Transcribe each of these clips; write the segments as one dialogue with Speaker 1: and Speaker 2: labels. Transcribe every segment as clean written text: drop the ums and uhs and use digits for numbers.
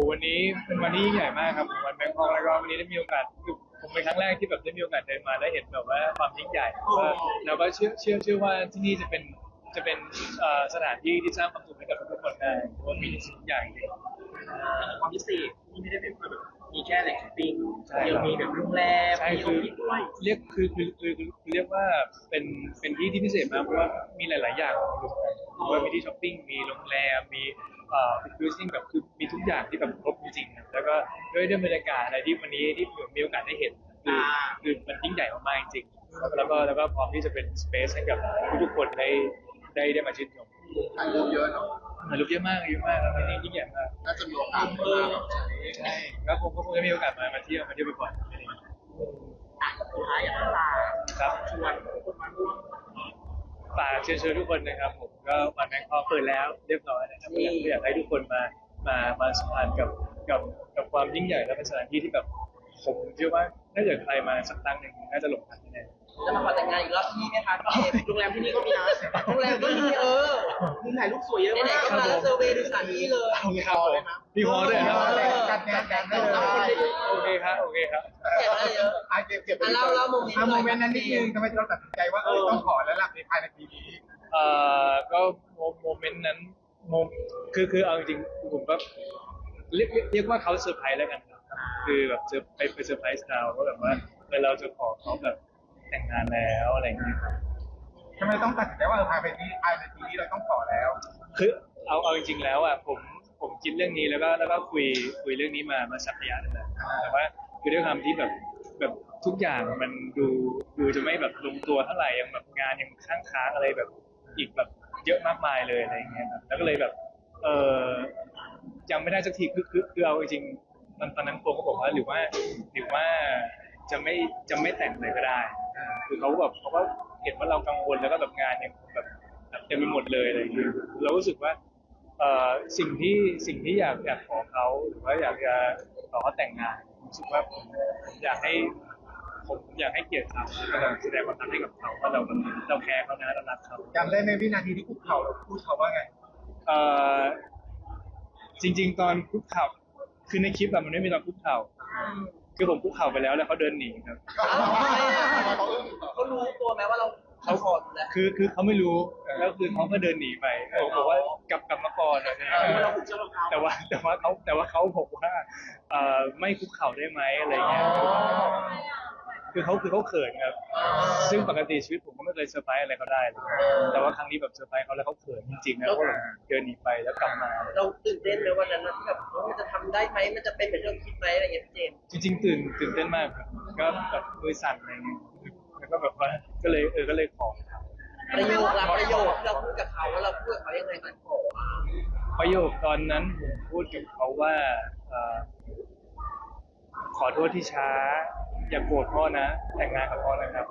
Speaker 1: วันนี้เป็นวันที่ยิ่งใหญ่มากครับวันแบงคอกแล้วก็วันนี้ได้มีโอกาสคือผมเป็นครั้งแรกที่แบบได้มีโอกาสเดินมาได้เห็นแบบว่าความยิ่งใหญ่แล้วก็เชื่อว่าที่นี่จะเป็นสถานที่ที่สร้างความสุขให้กับทุกคนได้เพราะว่ามีสิ่งอย่างจริง
Speaker 2: ความพิเศษที่ไม่ได้เป็นแบบมีแค่แหล่งช้อปปิ้ง
Speaker 1: ใช่
Speaker 2: ยังมีแบบโรงแรม
Speaker 1: ใช่
Speaker 2: มีอ
Speaker 1: คือ
Speaker 2: อฟฟิศด้วย
Speaker 1: เรียกคือเรียกว่าเป็นที่ที่พิเศษมากเพราะว่ามีหลายๆอย่างรวมกันว่ามีที่ช้อปปิ้งมีโรงแรมมีครูซิ่งแบบคือมีทุกอย่างที่แบบครบจริงๆนะแล้วก็ด้วยบรรยากาศอะไรที่วันนี้ที่ผมมีโอกาสได้เห็นคือมันยิ่งใหญ่มากๆจริงๆแล้วก็พร้อมที่จะเป็นสเปซให้กับทุกๆคนได้มาชื่นชม
Speaker 3: ถ่ายรูปเยอะเนาะ
Speaker 1: มันรูปเยอะมากแล้วที่นี่ยิ่งใหญ่มาก
Speaker 3: น่าจะมีโอกาสมาแบบใช้
Speaker 1: ใช่แล้วผมก็คงจะมีโอกาสมาเที่ยวบ่อยๆ
Speaker 2: อ่ะสุดท้ายอยากให้ลา
Speaker 1: ครับ
Speaker 2: ชวนคนมาร่วม
Speaker 1: ฝากเชิญทุกคนนะครับผมก็วันแบงคอกเปิดแล้วเรียบร้อยนะครับอยากให้ทุกคนมาสัมผัสกับความยิ่งใหญ่และเป็นสถานที่ที่แบบผมเชื่อว่าถ้าเกิดใครมาสักครั้งหนึ่งน่าจะหลงรักแน่
Speaker 2: จะมาขอแต่งงานอีกรอบที่นี่ไหมคะโรงแรมที่นี่ก็มีนะโรงแรมก็มีมุมถ่ายรูปสวยเยอะมากไหนๆก็มาแล้วเซอร์เวย์ดูสถานที่เลย
Speaker 1: ๆโอเคครับผมมีฮอลด้วยครับ
Speaker 3: การแข่งได้เลย
Speaker 1: โอเคครับโอเคครับ
Speaker 2: เก็บอะไรเยอะ
Speaker 3: เก็บ
Speaker 2: เล่าโมเมนต์
Speaker 3: โมเมนต์นั้นนิดนึงทำไมเราตัดสินใจว่าต้องขอแล้วล่ะในภายในปีนี้
Speaker 1: ก็โมเมนต์นั้นคือเอาจริงๆผมก็เรียกว่าเขาเซอร์ไพรส์แล้วกันครับคือแบบไปเซอร์ไพรส์เราก็แบบว่าเราจะขอเขาแบบแต่งงานแล้วอะไรอย่างเงี้ยครับ
Speaker 3: ทำไมต้องตัดสินใจว่าภายในปีนี้เราต้องขอแล้ว
Speaker 1: คือเอาจริงๆแล้วอ่ะผมคิดเรื่องนี้แล้วก็คุยเรื่องนี้มาสักระยะหนึงแล้วแต่ว่าคือด้วยความที่แบบทุกอย่างมันดูจะไม่แบบลงตัวเท่าไหร่ยังแบบงานยังค้างอะไรแบบอีกแบบเยอะมากมายเลยอะไรอย่างเงี้ยครับแล้วก็เลยแบบยังไม่ได้สักทีคือเอาจริงๆตอนนั้นโปก็บอกว่าหรือว่าจะไม่แต่งเลยก็ได้คือเขาก็เห็นว่าเรากังวลแล้วก็แบบงานยังแบบเต็มไปหมดเลยอะไรอย่างเงี้ยเรารู้สึกว่าสิ่งที่อยากขอเขาหรือว่าอยากจะขอเขาแต่งงานรู้สึกว่าผมอยากให้เกียรติเขาแล้วก็แสดงความรักให้กับเขาว่าเราแคร์เขานะเรารักเขา
Speaker 3: จำได้ไหมวินาทีที่คุกเข่าเราพูดเขาว่าไง
Speaker 1: จริงๆตอนคุกเข่าคือในคลิปแบบมันไม่มีตอนคุกเข่าคือผมคุกเข่าไปแล้วเขาเดินหนีครับ
Speaker 2: เขารู้ตัวไหมว่าเราเขาขอแล้ว
Speaker 1: คือเขาไม่รู้แล้วคือเขาก็เดินหนีไปบอกว่ากลับมาก่อนอะไรอย่างเงี้ย
Speaker 2: เราผูกเชือกรองเท้า
Speaker 1: แต่ว่าเขาบอกว่าไม่คุกเข่าได้ไหมอะไรเงี้ยคือเขาเขินครับซึ่งปกติชีวิตผมก็ไม่เคยเซอร์ไพรส์อะไรเขาได้เลยแต่ว่าครั้งนี้แบบเซอร์ไพรส์เขาแล้วเขาเขินจริงๆนะเขาแบบเดินหนีไปแล้วกลับมา
Speaker 2: เราตื่นเต้นไหมวันนั้นที่แบบมันจะทำได้ไหมมันจะเป็นเหมือนที่เราคิดไหมอะไรอย่างเงี้ยพี่เจมส์
Speaker 1: จริงๆตื่นเต้นมากครับก็แบบมือสั่นอะไรเงี้ยแล้วก็แบบว่าก็เลยขอครับ
Speaker 2: ประโยครับประโยคที่เราพูดกับเขาว่าเราพูดกับเขายังไงกันขอ
Speaker 1: ประโยคตอนนั้นผมพูดกับเขาว่าขอโทษที่ช้าอย่าโกรธพ่อนะแต่งงานกับพ่อนะครับ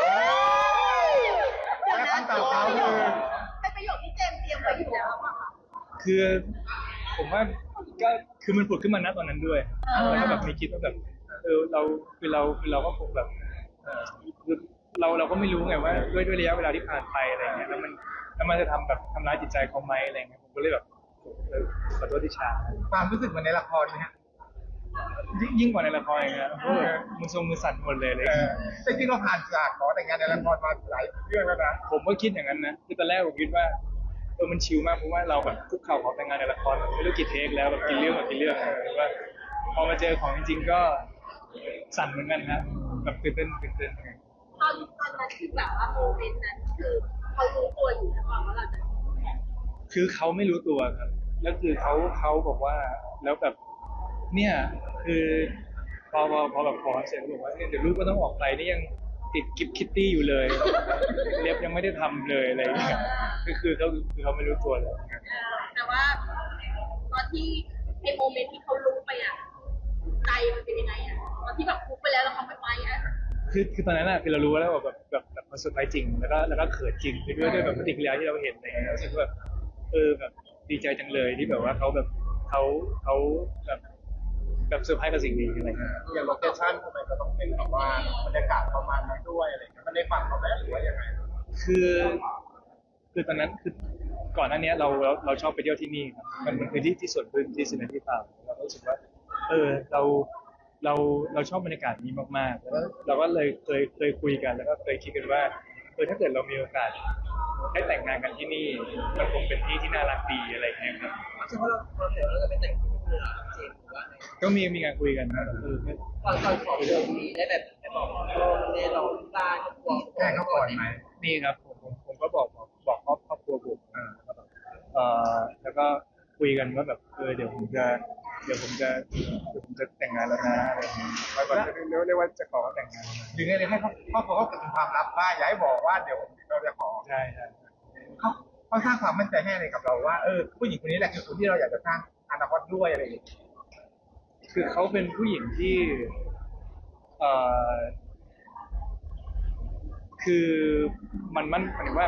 Speaker 3: แล้วคำตอบเขาคือ
Speaker 4: เป็นประโยคที่เจมส์เตรียมไว้อยู่แล้วอะค่ะ
Speaker 1: คือผมว่าก็คือมันผุดขึ้นมาณตอนนั้นด้วยแล้วก็แบบมีคิดว่าแบบเราก็คงแบบคือเราก็ไม่รู้ไงว่าด้วยระยะเวลาที่ผ่านไปอะไรเงี้ยแล้วมันจะทำร้ายจิตใจเขาไหมอะไรเงี้ยผมก็เลยแบบขอโทษที่ช้า
Speaker 3: ความรู้สึกเหมือนในละครไหมฮะ
Speaker 1: ยิ่งกว่าในละครนะเพราะแบบมือทรงมือสั่นหมดเลยอะไรเลย
Speaker 3: แต่จริงเราผ่านจากขอแต่งงานในละครมาหลายเรื่องแล้วนะ
Speaker 1: ผมก็คิดอย่างนั้นนะคือตอนแรกผมคิดว่ามันชิลมากเพราะว่าเราแบบคุกเข่าขอแต่งงานในละครไม่รู้กี่เทคแล้วแบบกี่เรื่องแต่ว่าพอมาเจอของจริงๆก็สั่นเหมือนกันครับแบบตื่นเต้น
Speaker 4: ตอนนั้นคือแบบว่าโมเมนต์นั้นคือเขารู้ตัวอยู่แล้วว่าเราจะ
Speaker 1: คือเขาไม่รู้ตัวครับแล้วคือเขาบอกว่าแล้วแบบเนี่ยคือพอแบบขอเสร็จเขาบอกว่าเนี่ยเดี๋ยวลูกก็ต้องออกไปนี่ยังติดกิฟต์คิตตี้อยู่เลยเล็บยังไม่ได้ทำเลยอะไรอย่างเงี้ยคือเขาไม่รู้ตัวเลย
Speaker 4: แต่ว่าตอนที่ไอ้โมเมนต์ที่เขารู้ไปอ่ะใจมันเป็นยังไงอ่ะตอนที่แบบคุกไปแล้วเขาไม่ไปอ่ะ
Speaker 1: คือตอนนั้นอะคือเรารู้แล้วว่าแบบมันเซอร์ไพรส์จริงแล้วก็เขินจริงด้วยแบบปฏิกิริยาที่เราเห็นอะไรเงี้ยรู้สึกว่าแบบแบบดีใจจังเลยที่แบบว่าเขาแบบเขาแบบเซอร์ไพรส์กับสิ่งนี้อะไรเงี้ย
Speaker 3: อย่างโลเคชั่นทำไมก็ต้องเป็นแบบว่าบรรยากาศประมาณนั้นด้วยอะไรเงี้ยมันในฝันเขาไหมหรือว่ายังไง
Speaker 1: คือตอนนั้นคือก่อนหน้านี้เราชอบไปเที่ยวที่นี่ครับมันคือที่ส่วนพื้นที่สินที่ฟาร์มรู้สึกว่าเราชอบบรรยากาศนี้มากๆแล้วก็เราก็เลยเคยคุยกันแล้วก็เคยคิดกันว่าถ้าเกิดเรามีโอกาสได้แต่งงานกันที่นี่มันคงเป็นที่ที่น่ารักดีอะไรอย่างเงี้ยครับ
Speaker 2: ใช่เพราะเราเห็นว่าเราจะไปแต่งที่นู่นเลยเจมส์ว่าไง
Speaker 1: ก็มีการคุยกันนะ
Speaker 2: ตอนขอเรื่องนี้ได้แบบไปบอกพ่อแม่เราตาครอบครัว
Speaker 3: แจ้งเขาก่อนไหม
Speaker 1: นี่ครับผมก็บอกครอบครัวผมแล้วก็คุยกันว่าแบบเดี๋ยวผมจะแต่งงานแล้วนะอะไรอย่างเงี้ยว่าเรียกว่าจะขอแต่งงาน
Speaker 3: หรือไงเลยให้เขาเป็นความลับว่าอย่าให้บอกว่าเดี๋ยวเราจะขอ
Speaker 1: ใช่
Speaker 3: เขาสร้างความมั่นใจให้อะไรกับเราว่าผู้หญิงคนนี้แหละคือคนที่เราอยากจะสร้างอนาคตด้วยอะไรอย่างเงี้ย
Speaker 1: คือเขาเป็นผู้หญิงที่คือมันหมายถึงว่า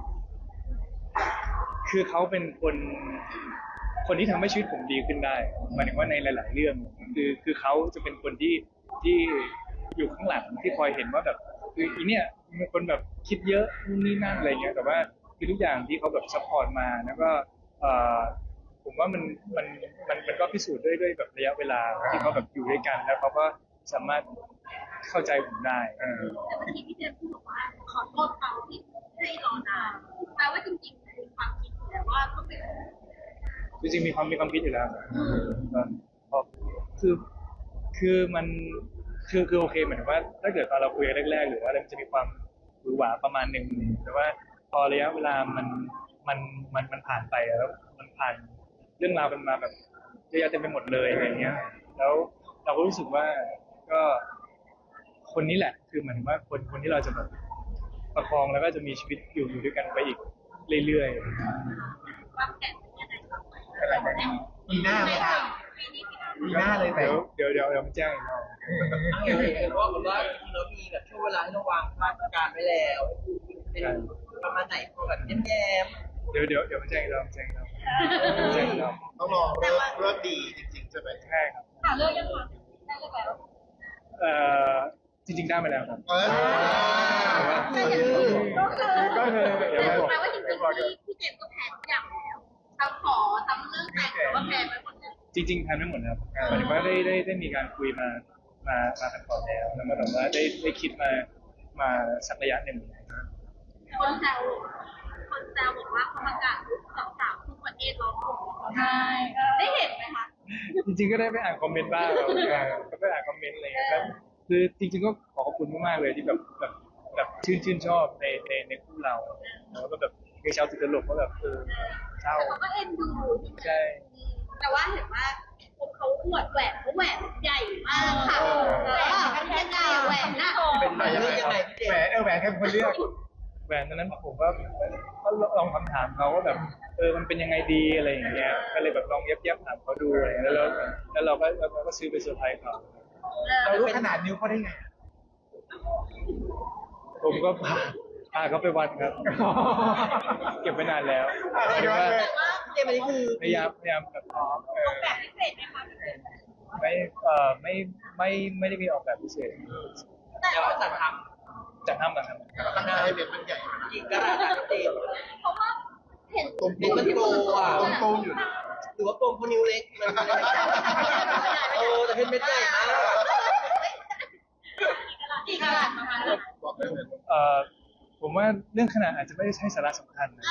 Speaker 1: คือเขาเป็นคนที่ทำให้ชีวิตผมดีขึ้นได้หมายถึงว่าในหลาย ๆ เรื่องคือเขาจะเป็นคนที่อยู่ข้างหลังที่คอยเห็นว่าแบบคืออีเนี่ยเป็นคนแบบคิดเยอะนู่นนี่นั่นอะไรเงี้ยแต่ว่าคือทุกอย่างที่เขาแบบซัพพอร์ตมาแล้วก็ผมว่ามันก็พิสูจน์ด้วยแบบระยะเวลาที่เขาแบบอยู่ด้วยกันแล้วเขาก็สามารถเข้าใจผมได้
Speaker 4: แต่เมื่อกี้พี่เจมส์พูดบอกว่าขอโทษเขาที่ให้รอนานแปลว่าจริงๆมีความคิดแต่ว่าก็เป็น
Speaker 1: จริงๆมีความคิดอยู่แล้วคือมันคือโอเคเหมือนว่าถ้าเกิดตอนเราคุยกันแรกๆหรือว่าอะไรมันจะมีความหวือหวาประมาณหนึ่งแต่ว่าพอระยะเวลามันผ่านไปแล้วมันผ่านเรื่องราวมันมาแบบเยอะแยะเต็มไปหมดเลยอะไรเงี้ยแล้วเราก็รู้สึกว่าก็คนนี้แหละคือเหมือนว่าคนที่เราจะแบบประคองแล้วก็จะมีชีวิตอยู่ด้วยกันไปอีกเรื่อยๆ
Speaker 4: วางแผนยังไงต่อไป
Speaker 3: ปีหน้าไหมคะปีหน้าเลยแต่
Speaker 1: เดี๋ยวมันแจ้งอีกรอบ
Speaker 2: เห็นว่าแบบว่าจริงๆแล้วมีแบบช่วงเวลาให้เราวางมาตรการไว้แล้วเป็นประมาณไหนพอแบบแย้ม
Speaker 1: เดี๋ยวมันแจ้งอีกรอบแจ้งอีกรอบแจ้งอีกรอบ
Speaker 3: ต้องรอเลิกดีจริงๆใช่ไหม
Speaker 1: ใช่ครับ
Speaker 4: หาเรื่องยังคะได้เรื่องแล้ว
Speaker 1: จริงๆได้มาแล้วครับ
Speaker 4: แต่อย่างอื่นก็คือ
Speaker 1: เดี๋ยวบอก
Speaker 4: แปลว่าจริงๆพี่เจมส์ก็แพ้ทุกอย่างแล้วทั้งขอทั้งเรื่องแต่งแต่ว่าแพ้ไปหมดเลย
Speaker 1: จริงๆแพลนไม่หมดครับหมายถึงว่าได้มีการคุยมากันก่อนแล้วแล้วก็แบบว่าได้คิดมาสักระยะหนึ่ง
Speaker 4: คนแซวบอกว่าเขาประกาศสาวทุกประเทศร้องผมใช่ได้เห็นไหมคะ
Speaker 1: จริงๆก็ได้ไปอ่านคอมเมนต์บ้างก็ไปอ่านคอมเมนต์อะไรอย่างเงี้ยครับคือจริงๆก็ขอบคุณมากๆเลยที่แบบชื่นชอบในคู่เราแล้วก็แบบมีชาวติดตลกก็แบบเศร้า
Speaker 4: แต่เขาก็เอ็นดู
Speaker 1: ใช่
Speaker 4: แต่ว่าเห็นว่าเขาอวดแหวนเขาแหวนใหญ่มากค่ะกันแค่ไหนแหวนน่ะ
Speaker 3: เป็นไปยังไงแหวนแหวนแค่คนเลือก
Speaker 1: แหวนตอนนั้นผมก็ลองคำถามเขาว่าแบบมันเป็นยังไงดีอะไรอย่างเงี้ยก็เลยแบบลองเย็บถามเขาดูอะไรแล้วเราก็ซื้อไปเซอร์ไพรส์เขา
Speaker 3: เรารู้ขนาดนิ้วเขาได้ไง
Speaker 1: ผมก็พาเขาไปวัดครับ เก็บไว้นานแล้ว
Speaker 2: แต่ว่าเจมส์อันนี้คือ
Speaker 1: พยายามแบบ
Speaker 4: แบบพิเศษไหมคะ
Speaker 1: ไม่ได้มีออกแบบพิเศษ
Speaker 2: แต่ว่าจัดท
Speaker 1: จากห้ามกันครับ
Speaker 3: ขนาดให้เป็นมันใหญ่
Speaker 2: ำอีกกระดาษเจมส์
Speaker 4: เพราะว่าเห็น
Speaker 2: เป็นมันโตอ่ะ
Speaker 3: ตรงอยู่
Speaker 2: หรือว่าโปมพนิ้วเล็กมันแต่เป็นเม็ดใหญ่มาก
Speaker 4: กี่กะลัดประมาณนั้น
Speaker 3: บอกได้เลย
Speaker 1: ผมว่าเรื่องขนาดอาจจะไม่ได้ใช่สาระสำคัญนะ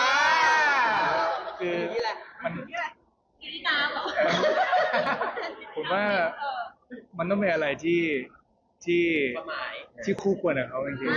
Speaker 1: คือ
Speaker 2: นี่แหละ
Speaker 1: มัน
Speaker 4: กินน้ำเหรอ
Speaker 1: ผมว่ามันต้องเป็นอะไรที่
Speaker 2: ความหมาย
Speaker 1: ที่คู่ควรกับเขาจริงๆ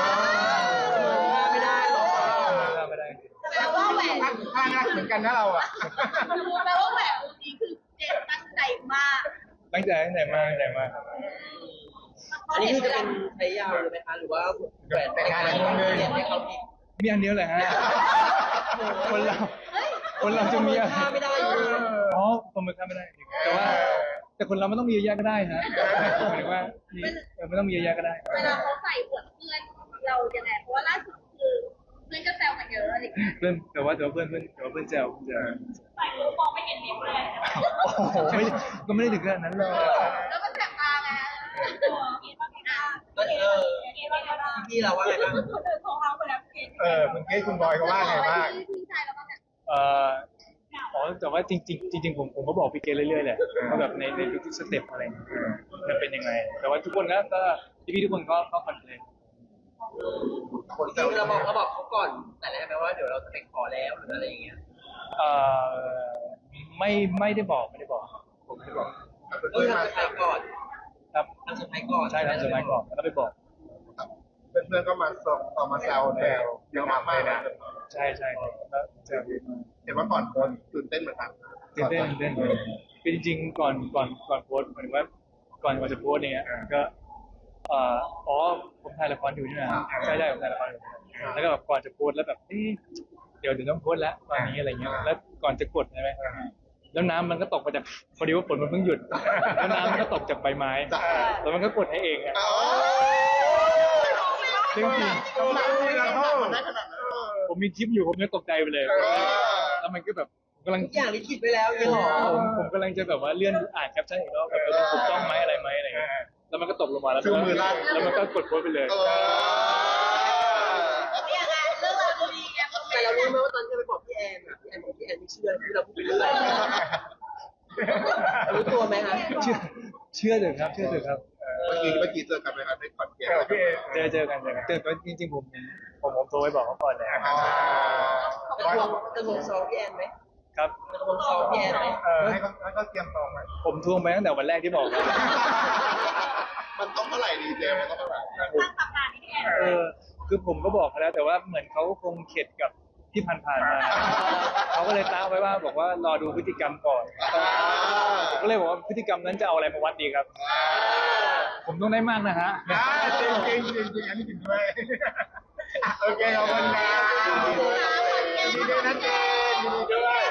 Speaker 2: ไม่ได้หรอก
Speaker 1: ไม่ได้จริง
Speaker 4: แปลว่าแหวน
Speaker 3: ข้างรักเหมือนกันนะเราอ่ะ
Speaker 4: รู้แปลว่าแหวนวงนี้คือเจมตั้งใจมาก
Speaker 1: ตั้งใจมากครับ
Speaker 2: อันนี้คือจะเป็นใช้ยาวเลยไหมคะหรือว่าแหวนแต่งงานเลยเรียนให้เขาอีก
Speaker 1: มีอันเดียวเลยฮะคนเราจะมีอะไร
Speaker 2: ไม่ได้อยู่
Speaker 1: อ๋อประเมินค่าไม่ได้จริงแต่คนเราไม่ต้องมีเยอะแยะก็ได้ฮะหมายถึงว่าไม่ต้องมีเยอะแยะก็ได้
Speaker 4: เวลาเขาใส่อวดเพื่อนเรายังไงเพราะว่าล่าสุดคือเพื่อนก็แซวกันเยอะอะไรอย่างเงี้ย
Speaker 1: เพื่อนแต่ว่าเพื่อนแซว
Speaker 4: ใส่หูมองไม่เห็นนิ้วเลย
Speaker 1: โอ้โหก็ไม่ได้ถึงขนาดนั้นเลย
Speaker 4: แล้วมันแสบตาไงกินบ้างกินอ่ะ
Speaker 2: ก็พี่เราว่าไงบ้าง
Speaker 4: คนอื่นของเราไปแล้วกิน
Speaker 3: คุณเกศคุณบอยเขาว่าไงบ้าง
Speaker 4: พี่ชายเราก็แบบ
Speaker 1: อ๋อแต่ว่าจริงๆผมก็บอกพี่เกเรื่อยๆแหละว่าแบบในทุกๆสเต็ปอะไรอย่างเงี้ยมันเป็นยังไง แต่ว่าทุกคนก็พี่ๆทุกคนก็คอนเทนต์
Speaker 2: จริงๆเราบอกเขาก่อนแต่แรกไหมว่าเดี๋ยวเราจะไปขอแล้วหรืออะไรอย่างเงี้ย
Speaker 1: เอ่อไม่ได้บอกผมไม่ได้บอก
Speaker 2: ก็ทำเซอร์ไพรส์ก่อน
Speaker 1: ครับ
Speaker 2: ทำเซอร์ไพรส์ก่อน
Speaker 1: ใช่ทำสมัยก่อนแล้วก็ไปบอก
Speaker 3: เพื่อนๆก็มาส่งต่อมาแซวเยอะมากเลยนะ
Speaker 1: ใช่แล้วเจอ
Speaker 3: เห็นว่าก่อนโพสต์ตื่นเต้นเหมือนกัน
Speaker 1: ตื่นเต้นคือจริงๆก่อนโพสต์หมายถึงว่าก่อนจะโพสต์เนี่ยก็อ๋อผมถ่ายละครอยู่นี่นะใช่ผมถ่ายละครอยู่แล้วก็แบบก่อนจะโพสต์แล้วแบบเดี๋ยวต้องโพสต์แล้วตอนนี้อะไรเงี้ยแล้วก่อนจะกดใช่ไหมแล้วน้ำมันก็ตกมาจากพอดีว่าฝนมันเพิ่งหยุดแล้วน้ำมันก็ตกจากใบไม้แล้วมันก็กดให้เองอ่ะจริง
Speaker 3: ได้ขนาดนั้น
Speaker 1: ผมมีคลิปอยู่ผมยังตกใจไปเลยแล้วมันก็แบบกำลัง
Speaker 2: ทุกอย่างลิขิตไปแล้วยี่ห้อ
Speaker 1: ผมกำลังจะแบบว่าเลื่อนอ่านแคปชั่นอีกรอบแบบมันถูกต้องไหมอะไรไหมอะไรเงี้ยแล้วมันก็ตกลงมาแล้วมันก็กดโพสต์ไปเลย
Speaker 4: เนี่ยไงเรื่องราวดีๆไง
Speaker 2: แต่เรารู้ไหมว่าตอนที่เราไปบอกพี่แอนอ่ะพี่แอนบอกพี่แอนไม่เชื่อที่เราพูดไปเรื่อยรู้ตัวไหมคะ
Speaker 1: เชื่อเถอะครับเจอ
Speaker 3: กันไหมครับในคอนเสิร์ต
Speaker 1: เจอกันแต่จริงๆผมโทรไปบอกเขาก่อนแล้ว
Speaker 2: จะลงซองพี่แอนไหม
Speaker 1: ครับ
Speaker 2: จะลงซองพี่แอนไหม
Speaker 3: ให้เขาเตรียมซองไหม
Speaker 1: ผมทวงไปตั้งแต่วันแรกที่บอกแล้ว
Speaker 3: มันต้องเท่าไหร่ดีเจมันต้องเท่าไหร่
Speaker 4: สร้างตำนานนี้แอน
Speaker 1: คือผมก็บอกเขาแล้วแต่ว่าเหมือนเขาคงเข็ดกับที่ผ่านๆมาเขาก็เลยตั้งไว้ว่าบอกว่ารอดูพฤติกรรมก่อนผมก็เลยบอกว่าพฤติกรรมนั้นจะเอาอะไรมาวัดดีครับ ผมต้องได้มากนะฮะ
Speaker 3: จริงอันนี้จริงด้วยโอเคขอบคุณนะยินดีด้วยนะเจนยินดีด้วย